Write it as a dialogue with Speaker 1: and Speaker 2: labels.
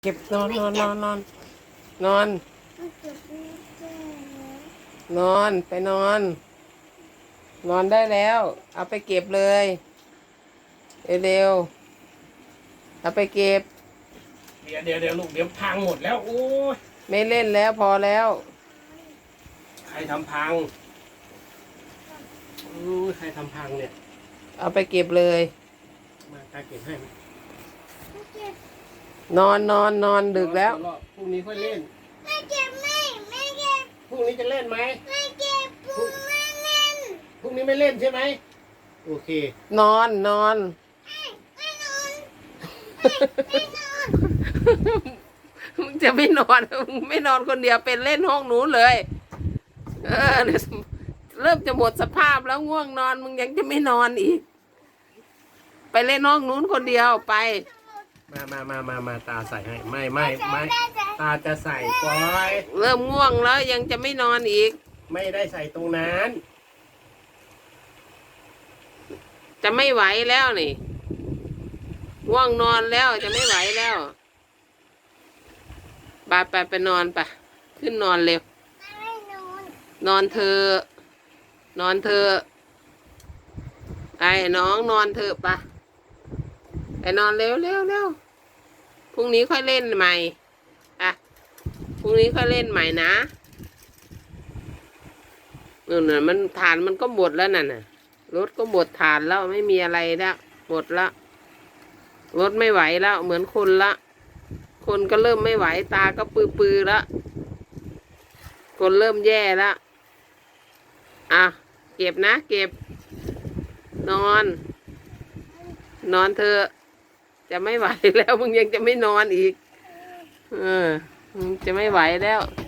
Speaker 1: เก็บนอนนอนนอนนอนนอนนอนไปนอน นอนได้แล้ว เอาไปเก็บเลยเร็วๆเอาไปเก็บ
Speaker 2: เดี๋ยวลูกเดี๋ยวพังหมดแล้วโอ้ย
Speaker 1: ไม่เล่นแล้วพอแล้ว
Speaker 2: ใครทำพังใครทำพังเนี่ย
Speaker 1: เอาไปเก็บเลย
Speaker 2: มาตาเก็บให้ไหม
Speaker 1: นอนนอนนอนดึกแล้ว
Speaker 2: พรุ่งนี้ค่อยเล่น
Speaker 3: ไม่เก็บไม่เก็บ
Speaker 2: พรุ่งนี้จะเล่นไหม
Speaker 3: ไม่เก็บปูไม่เล่น
Speaker 2: พรุ่งนี้ไม่เล่นใช่ไหมโอเคน
Speaker 1: อนนอน
Speaker 3: ไม่นอนไม่นอน
Speaker 1: มึงจะไม่นอนมึงไม่นอนคนเดียวเป็นเล่นห้องหนูเลยเนี่ยเริ่มจะหมดสภาพแล้วง่วงนอนมึงยังจะไม่นอนอีกไปเล่นห้องนู้นคนเดียวไป
Speaker 2: มาตาใส่ให้ไม่ตาจะใส่ปล่อย
Speaker 1: เริ่มง่วงแล้วยังจะไม่นอนอีก
Speaker 2: ไม่ได้ใส่ตรงนั้น
Speaker 1: จะไม่ไหวแล้วนี่ง่วงนอนแล้วจะไม่ไหวแล้วไปนอนไปขึ้นนอนเร็ว
Speaker 3: ไม่นอน
Speaker 1: นอนเธอนอนเธอไอ้น้องนอนเธอปะไปนอนเร็วพรุ่งนี้ค่อยเล่นใหม่พรุ่งนี้ค่อยเล่นใหม่นะน่ะมันฐานมันก็หมดแล้วน่ะรถก็หมดฐานแล้วไม่มีอะไรแล้วหมดละรถไม่ไหวแล้วเหมือนคนละคนก็เริ่มไม่ไหวตาก็ปือละคนเริ่มแย่ละเก็บนะเก็บนอนเธอจะไม่ไหวแล้วมึงยังจะไม่นอนอีกมึงจะไม่ไหวแล้ว